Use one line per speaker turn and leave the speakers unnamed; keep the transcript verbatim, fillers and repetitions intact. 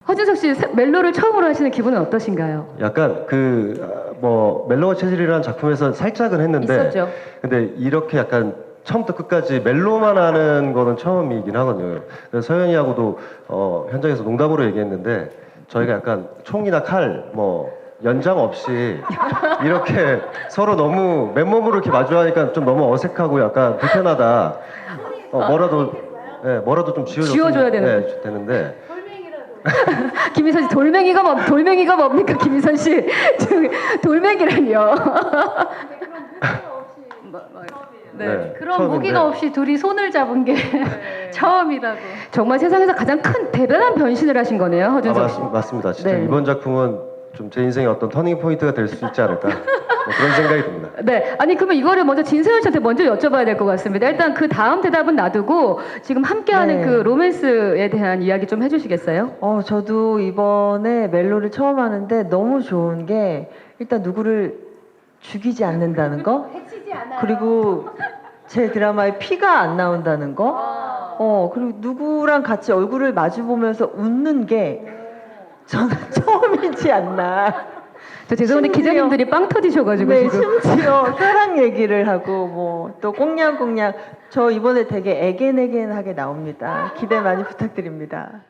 허준석 씨 멜로를 처음으로 하시는 기분은 어떠신가요?
약간 그 뭐 멜로와 체질이라는 작품에서 살짝은 했는데
있었죠.
근데 이렇게 약간 처음부터 끝까지 멜로만 하는 거는 처음이긴 하거든요. 그래서 서현이하고도 어, 현장에서 농담으로 얘기했는데 저희가 약간 총이나 칼 뭐 연장 없이 이렇게 서로 너무 맨몸으로 이렇게 마주하니까 좀 너무 어색하고 약간 불편하다. 어, 뭐라도 예, 뭐라도 좀 지워줬으면
지워줘야 되는
예, 되는데
김희선 씨 돌멩이가 뭐 돌멩이가 뭡니까 김희선 씨 지금 돌멩이라니요. 뭐, 뭐,
네,
네,
그런
처음인데.
무기가 없이 둘이 손을 잡은 게 처음이라고.
정말 세상에서 가장 큰 대단한 변신을 하신 거네요
아,
허준석 씨.
맞, 맞습니다. 진짜
네.
이번 작품은 좀 제 인생의 어떤 터닝 포인트가 될 수 있지 않을까 뭐 그런 생각이 듭니다.
네, 아니 그러면 이거를 먼저 진세현 씨한테 먼저 여쭤봐야 될 것 같습니다. 일단 그 다음 대답은 놔두고 지금 함께하는
네.
그 로맨스에 대한 이야기 좀 해주시겠어요?
어, 저도 이번에 멜로를 처음 하는데 너무 좋은 게 일단 누구를 죽이지 않는다는 거, 그리고 제 드라마에 피가 안 나온다는 거, 어, 그리고 누구랑 같이 얼굴을 마주 보면서 웃는 게 저는 처음이지 않나.
저 죄송한데
심지어-
기자님들이 빵 터지셔가지고
네,
지금.
심지어 사랑 얘기를 하고 뭐 또 꽁냥꽁냥 저 이번에 되게 애겐애겐하게 나옵니다. 기대 많이 부탁드립니다.